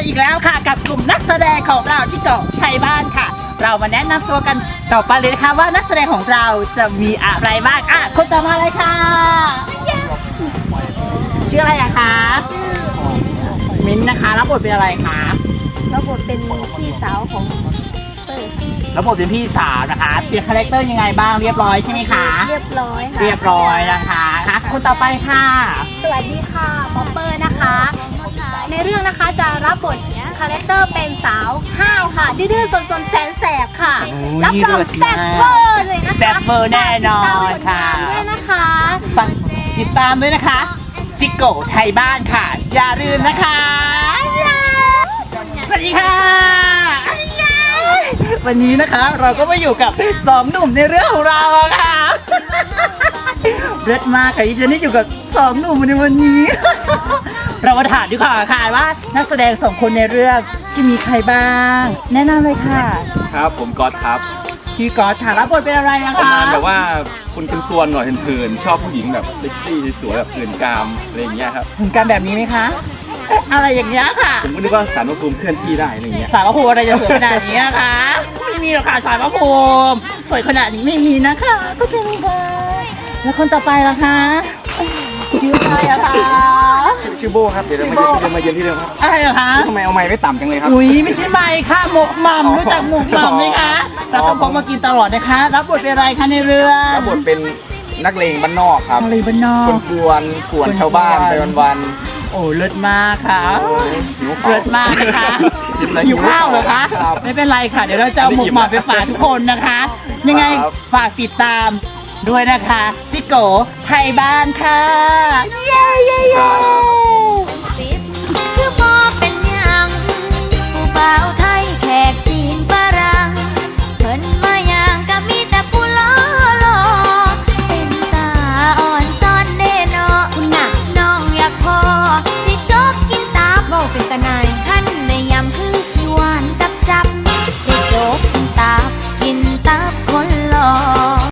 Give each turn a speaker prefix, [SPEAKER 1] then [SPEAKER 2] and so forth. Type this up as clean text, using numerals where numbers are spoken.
[SPEAKER 1] อีกแล้วค่ะกับกลุ่มนักแสดงของเราที่เกาะไทยบ้านค่ะเรามาแนะนำตัวกันต่อไปเลยนะคะว่านักแสดงของเราจะมีอะไรบ้างคนต่อมาเลยค่ะชื่ออะไรอะคะมิ้นนะคะรับบทเป็นอะไรคะ
[SPEAKER 2] รับบทเป็นพี่สาวของเตอร์
[SPEAKER 1] รับบทเป็นพี่สาวนะคะเปลี่ยนคาแรคเตอร์ยังไงบ้างเรียบร้อยใช่ไหมคะ
[SPEAKER 2] เรียบร้อยค่ะ
[SPEAKER 1] เรียบร้อยนะคะคนต่อไปค่ะ
[SPEAKER 2] สวัสดีค่ะป๊อปเปอร์นะคะในเรื่องนะคะจะรับบทคาแรคเตอร์เป็นสาวห้าวค่ะดื้อๆซนๆแสนแสบค่ะรับรองแซ่บเวอร์เลยนะคะ
[SPEAKER 1] แซ่บเวอร์แน่นอนค่ะ
[SPEAKER 2] ด้วยนะคะ
[SPEAKER 1] ติดตามด้วยนะคะจิโกะไทยบ้านค่ะอย่าลืมนะคะสวัสดีค่ะวันนี้นะคะเราก็มาอยู่กับสองหนุ่มในเรื่องของเราค่ะเลิศมากค่ะที่จะได้อยู่กับสองหนุ่มในวันนี้ เรามาถามดีกว่าค่ะว่านักแสดงสองคนในเรื่องจะมีใครบ้างแนะนำเลยค่ะ
[SPEAKER 3] ครับผมก๊อตครับ
[SPEAKER 1] ชื่อก๊อตค่ะรับบทเป็นอะไรนะคะ
[SPEAKER 3] ประมาณแบบว่าคุณเป็นตัวหน่อยเถื่อนชอบผู้หญิงแบบเซ็กซี่สวยแบบเถื่อนกามอะไรอย่างเงี้ยครับ
[SPEAKER 1] ถึงการแบบนี้ไหมคะอะไรอย่างเงี้ยค่ะ
[SPEAKER 3] ผมก็นึกว่าสารพระภูมิเคลื่อนที่ได้อะไรเงี้ย
[SPEAKER 1] สารพระภูมิอะไรจะสวยขนาดนี้นะคะไม่มีหรอกค่ะสารพระภูมิสวยขนาดนี้ไม่มีนะคะก็จะมีค่ะแล้วคนต่อไปล่ะคะชื่ออะไรอะคะ
[SPEAKER 3] ชื่อโบครับเดี๋ยวมาเยือนที่เดิมครับ
[SPEAKER 1] อะไรเหรอคะ
[SPEAKER 3] ทำไมเอาไม้ไม่ต่ำจังเลยครับ
[SPEAKER 1] อุ้ยไม่ใช่ไม้ค่ะหมกหม่ำรู้จักหมกหม่ำไหมคะเราต้องพกมากินตลอดนะคะรับบทเป็นอะไรคะในเรื่อง
[SPEAKER 3] รับบทเป็นนักเลงบ้านนอกครับ
[SPEAKER 1] นักเลงบ้านนอก
[SPEAKER 3] กวนชาวบ้านไปวัน
[SPEAKER 1] โอ้เลิศมากค่ะเลิศมากนะคะหิวข้าวเหรอคะไม่เป็นไรค่ะเดี๋ยวเราจะเอาหมกหม่ำไปฝากทุกคนนะคะยังไงฝากติดตามด้วยนะคะจิโกะไทยบ้านค่ะเย้